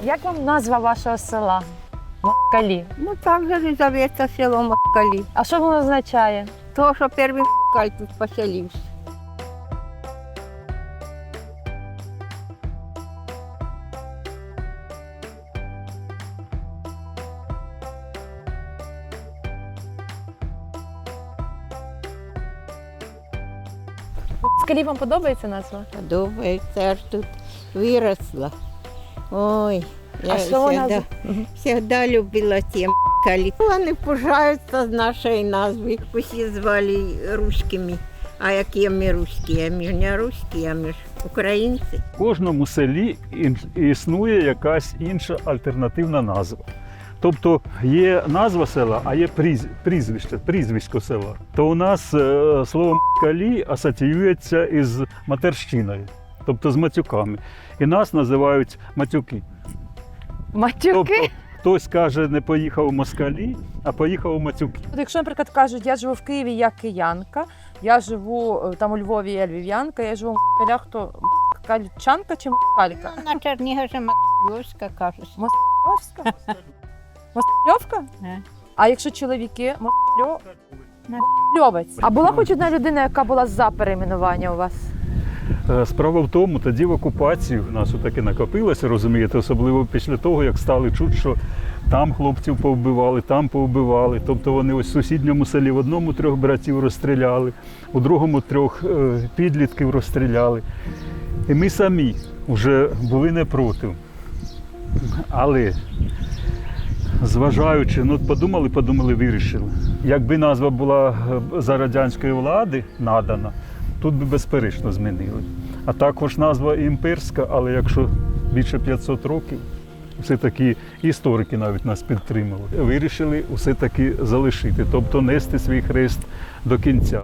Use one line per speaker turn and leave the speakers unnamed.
Як вам назва вашого села? Москалі.
Ну так же і зоветься село Москалі.
А що воно означає?
То, що перший москаль тут поселився.
Москалі вам подобається назва?
Подобається, аж тут виросла. Ой,
А що вона?
завжди любила ті москалі. Вони пужаються з нашої назви. Усі звали руськими. А які ми руські? А ми ж не руські, а ми ж українці.
В кожному селі існує якась інша альтернативна назва. Тобто є назва села, а є прізвисько села. То у нас слово «москалі» асоціюється із матерщиною, тобто з матюками. І нас називають матюки.
Матюки?
Тобто хтось каже, не поїхав у москалі, а поїхав у матюки.
Якщо, наприклад, кажуть, я живу в Києві, я киянка, я живу там у Львові, я львів'янка, я живу в Москалях, то москальчанка чи москалька?
На Чернігові Москальська кажуть.
Москальовська? Москальовка?
Ага.
А якщо чоловіки, москальовець. А була хоч одна людина, яка була за перейменування у вас?
Справа в тому, тоді в окупації в нас таке накопилося, розумієте, особливо після того, як стали чути, що там хлопців повбивали, там повбивали. Тобто вони ось в сусідньому селі в одному 3 братів розстріляли, у другому 3 підлітків розстріляли. І ми самі вже були не проти. Але зважаючи, подумали, вирішили. Якби назва була за радянської влади надана, тут би безперечно змінили. А також назва імперська, але якщо більше 500 років, все-таки історики навіть нас підтримали. Вирішили все-таки залишити, тобто нести свій хрест до кінця.